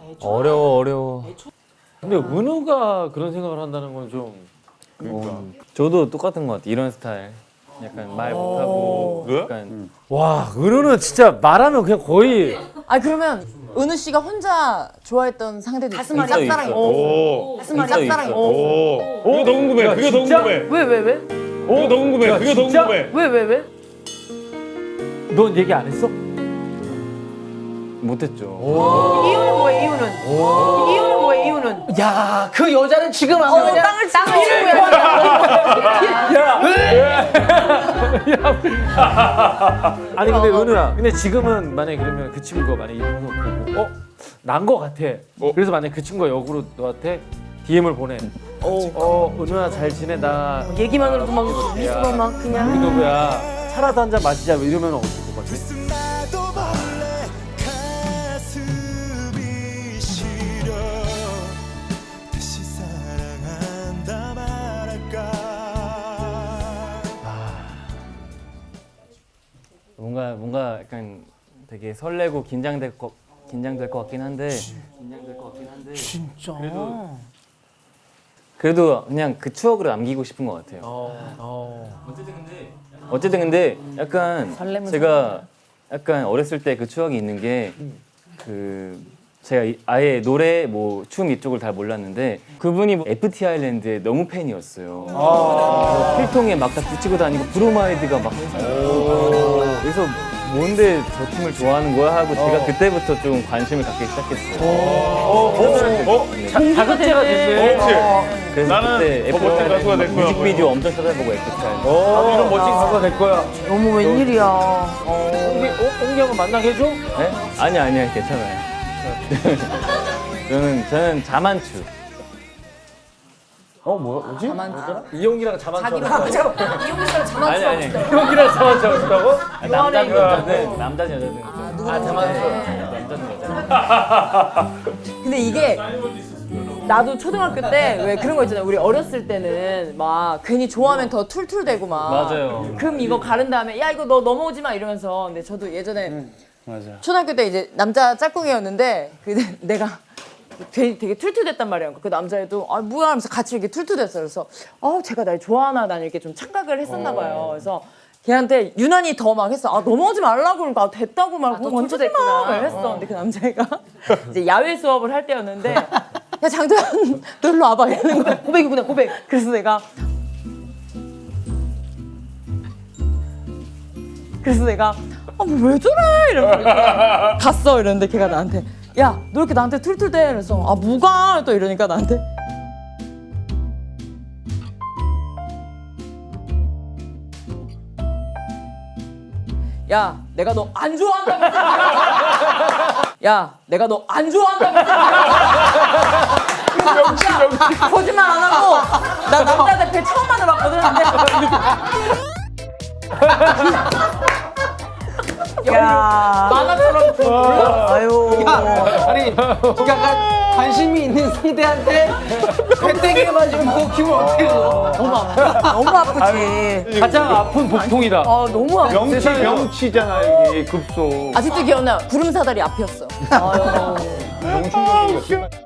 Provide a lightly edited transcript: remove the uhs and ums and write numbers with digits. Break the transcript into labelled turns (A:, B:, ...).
A: 어려워. 근데 은우가 그런 생각을 한다는 건 좀. 저도 똑같은 것 같아. 이런 스타일. 약간 말 못하고. 약간. 와, 은우는 진짜 말하면 그냥 거의.
B: 그러면 은우 씨가 혼자 좋아했던 상대도 있어요?
A: 있어.
B: 짝사랑이. 짝사랑이.
C: 그게 더 궁금해. 그게 더 궁금해.
D: 왜?
C: 그게 더 궁금해. 그게 더 궁금해.
D: 왜?
A: 넌 얘기 안 했어?
D: 이유는
A: 못했죠.
D: 뭐야? 이유는?
E: 야, 그 여자는 지금 안 그냥
B: 땅을 치고
A: 아니 근데 은우야, 근데 지금은 만약에 그러면 그 친구가 만약에 이 방송 보고 난 거 같아. 그래서 만약에 그 친구가 역으로 너한테 DM을 보내. 은우야 잘 지내? 나
D: 얘기만으로도 막 미소가 막 그냥.
A: 우리 누구야? 차라도 한 잔 마시자 이러면 어떨 것 같아?
F: 뭔가 약간 되게 설레고 긴장될 것 같긴 한데.
E: 진짜.
F: 그래도 그냥 그 추억으로 남기고 싶은 것 같아요. 어쨌든 근데 약간 제가 약간 어렸을 때 그 추억이 있는 게 제가 아예 노래 뭐 춤 이쪽을 다 몰랐는데 그분이 뭐 FT 아일랜드의 너무 팬이었어요. 그래서 필통에 막 다 붙이고 다니고 브로마이드가 막 항상 그래서 뭔데 저 팀을 좋아하는 거야 하고 제가 그때부터 좀 관심을 갖기 시작했어요.
A: 자극제가 됐네.
F: 그래서
C: 나는
F: 그때
C: 더 멋진 가수가 될 거야.
F: 뮤직비디오 엄청 찾아보고 FT 아일랜드.
A: 이런 멋진 가수가 될 거야.
D: 어머 웬일이야.
A: 옹기 한번 만나게 해줘?
F: 네? 아니야 괜찮아요. 저는 자만추.
A: 뭐지?
B: 자만추.
A: 이용기랑 자만추.
B: 이용기 씨랑 자만추.
F: 아니.
A: 이용기랑 자만추 하고 싶다고?
F: 남자든 여자든 자만추. 남자든 여자.
B: 근데 이게 나도 초등학교 때 왜 그런 거 있잖아요. 우리 어렸을 때는 막 괜히 좋아하면 더 툴툴대고 막.
F: 맞아요.
B: 금 이거 가른 다음에 야 이거 너 넘어오지 마 이러면서. 근데 저도 예전에 초등학교 때 이제 남자 짝꿍이었는데 내가 되게 툴툴댔단 말이야. 그 남자애도 뭐야 하면서 같이 이렇게 툴툴댔어. 그래서 제가 날 좋아하나 난 이렇게 좀 착각을 했었나 봐요. 그래서 걔한테 유난히 더 막 했어. 넘어오지 말라고 그러니까 됐다고 막
D: 먼저 됐구나.
B: 막 했어. 근데 그 남자애가 이제 야외 수업을 할 때였는데 야 장도연 너 일로 와봐 이러는 거야.
D: 고백이구나 고백.
B: 그래서 내가 왜 저래 이러면서 갔어 이러는데 걔가 나한테 야 너 이렇게 나한테 툴툴대 그래서 뭐가 또 이러니까 나한테 야 내가 너 안 좋아한다고 야 내가 너 안 좋아한다고 진짜 거짓말 안 하고 나 남자들 배 처음 만나봤거든 근데 만화처럼
D: 아유.
E: 아니, 약간 관심이 있는 상대한테 배때기를 맞으면 기분 어떻게 줘?
D: 너무 아프지.
A: 가장 아픈 복통이다.
D: 너무 아프.
C: 명치잖아 이게 급소.
B: 아직도 기억나 구름 사다리 앞이었어
C: 너무 충격이었어.